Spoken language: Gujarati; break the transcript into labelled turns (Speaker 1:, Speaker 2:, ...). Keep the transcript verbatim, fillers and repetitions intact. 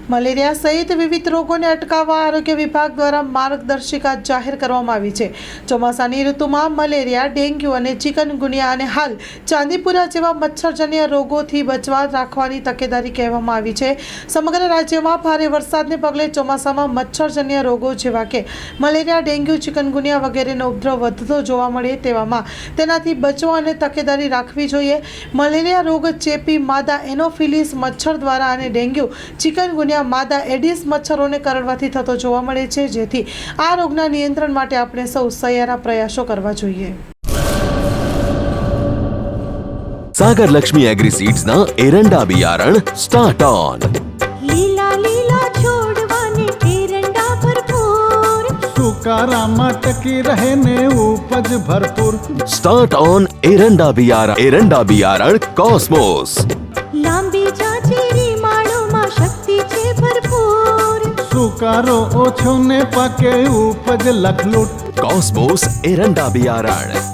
Speaker 1: મલેરિયા સહિત વિવિધ રોગોને અટકાવવા આરોગ્ય વિભાગ દ્વારા માર્ગદર્શિકા જાહેર કરવામાં આવી છે। ચોમાસાની ઋતુમાં મલેરિયા, ડેન્ગ્યુ અને ચિકનગુનિયા અને હાલ ચાંદીપુરા જેવા મચ્છરજન્ય રોગોથી બચવા રાખવાની તકેદારી કહેવામાં આવી છે। સમગ્ર રાજ્યમાં ભારે વરસાદને પગલે ચોમાસામાં મચ્છરજન્ય રોગો જેવા કે મલેરિયા, ડેન્ગ્યુ, ચિકનગુનિયા વગેરેનો ઉપદ્રવ વધતો જોવા મળે તેવામાં તેનાથી બચવા અને તકેદારી રાખવી જોઈએ। મલેરિયા રોગ ચેપી માદા એનોફિલિસ મચ્છર દ્વારા અને ડેન્ગ્યુ, ચિકનગુનિયા માદા એડિસ મચ્છરોને કરડવાથી થતો જોવા મળે છે, જેથી આ રોગના નિયંત્રણ માટે આપણે સૌ સહિયારા પ્રયાસો કરવા જોઈએ।
Speaker 2: सागर लक्ष्मी एग्रीसीड्स ना एरंडा बियारण स्टार्ट ऑन।
Speaker 3: લીલા લીલા છોડવાને એરંડા ભરપૂર,
Speaker 4: સુકારામાં ટકી રહે ને ઉપજ ભરપૂર।
Speaker 2: स्टार्ट ऑन एरंडा बियारण एरंडा बियारण कॉस्मोस।
Speaker 3: લાંબી જાચેરી માળોમાં શક્તિ છે ભરપૂર,
Speaker 4: સુકારો ઓછો ને પાકે ઉપજ લખલૂટ।
Speaker 2: कॉस्मोस एरंडा बियारण।